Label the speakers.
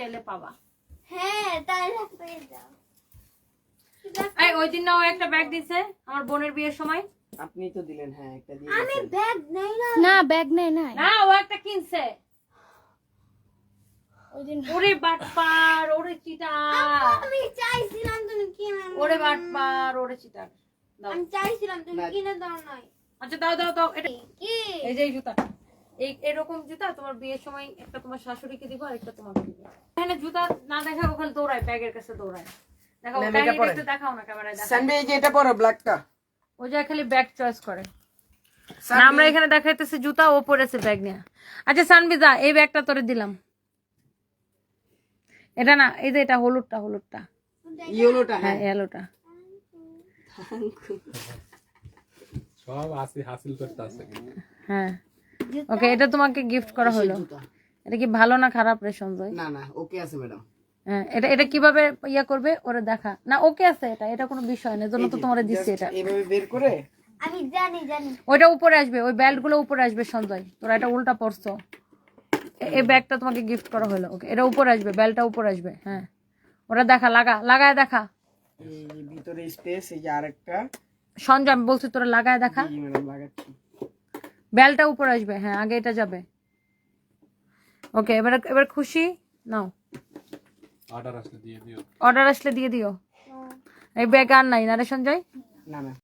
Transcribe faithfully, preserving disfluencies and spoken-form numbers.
Speaker 1: চাইলে পাবা।
Speaker 2: হ্যাঁ তাইলে পেয়ে যাও।
Speaker 1: এই ওই দিন না ও একটা ব্যাগ দিছে আমার বোনের বিয়ের সময়।
Speaker 3: আপনি তো দিলেন। হ্যাঁ একটা দিয়ে
Speaker 2: আমি
Speaker 3: গেছেন।
Speaker 2: ব্যাগ নেই না।
Speaker 4: না ব্যাগ নেই নাই
Speaker 1: না ও একটা কিনছে।
Speaker 4: ওই দিন
Speaker 1: ওরে বাটপার, ওরে চিটার,
Speaker 2: আমি চাইছিলাম তুমি কিনে দাও।
Speaker 1: ওরে বাটপার, ওরে চিটার। দাও।
Speaker 2: আমি চাইছিলাম তুমি
Speaker 3: না।
Speaker 2: কিনে দাও নাই।
Speaker 1: আচ্ছা দাও দাও দাও এটা।
Speaker 2: কি?
Speaker 1: এই যে এই জুতাটা, এই এরকম জুতা তোমার বিয়ের সময় একটা তোমার শাশুড়িকে দিব আর একটা তোমাকে দিব। এখানে জুতা না দেখা ওখানে দৌড়ায়, ব্যাগের কাছে দৌড়ায়। দেখাও
Speaker 3: না,
Speaker 1: ব্যাগ
Speaker 3: এটা পরে।
Speaker 1: একটু দেখাও না ক্যামেরায় দেখাও।
Speaker 3: সানবি এই যে এটা পরো ব্ল্যাকটা।
Speaker 1: ও যা খালি ব্যাগ চয়েস করে। না আমরা এখানে দেখাইতেছি জুতা, ও পরেছে ব্যাগ নিয়ে। আচ্ছা সানবিজা এই ব্যাগটা তোরে দিলাম। এটা না, এই যে এটা হলুদটা, হলুদটা
Speaker 3: ইয়েলোটা।
Speaker 1: হ্যাঁ
Speaker 3: হ্যাঁ
Speaker 1: এলোটা।
Speaker 5: সব আসি হাসিল করতে আছে।
Speaker 1: হ্যাঁ ওকে, এটা তোমাকে গিফট করা হলো।
Speaker 3: জুতা।
Speaker 1: এটা কি ভালো না খারাপ রে সঞ্জয়?
Speaker 3: না না ওকে আছে ম্যাডাম।
Speaker 1: হ্যাঁ এটা এটা কিভাবে ইয়া করবে ওরে দেখা না। ওকে আছে, এটা এটা কোনো বিষয় না, এজন্য তো তোমারে দিচ্ছি এটা।
Speaker 3: এইভাবে বের করে
Speaker 2: আমি জানি জানি।
Speaker 1: ওইটা উপরে আসবে, ওই বেল্ট গুলো উপরে আসবে সঞ্জয়। তোরা এটা উল্টা পড়ছো। এ- এই ব্যাগটা তোমাকে গিফট করা হলো। ওকে এটা উপরে আসবে, বেল্টটা উপরে আসবে। হ্যাঁ ওরা দেখা, লাগা লাগায় দেখা।
Speaker 3: এই যে ভিতরে স্পেস, এই যে আরেকটা।
Speaker 1: সঞ্জয় আমি বলছি তোরা লাগায় দেখা।
Speaker 3: জি ম্যাডাম লাগাচ্ছি।
Speaker 1: বেলটা উপরে আসবে। হ্যাঁ আগে এটা যাবে। ওকে এবার এবার খুশি নাও।
Speaker 5: অর্ডার আসলে দিয়ে দিও।
Speaker 1: অর্ডার আসলে দিয়ে দিও। এই ব্যাগ আর নাই না রে সঞ্জয়?
Speaker 3: না না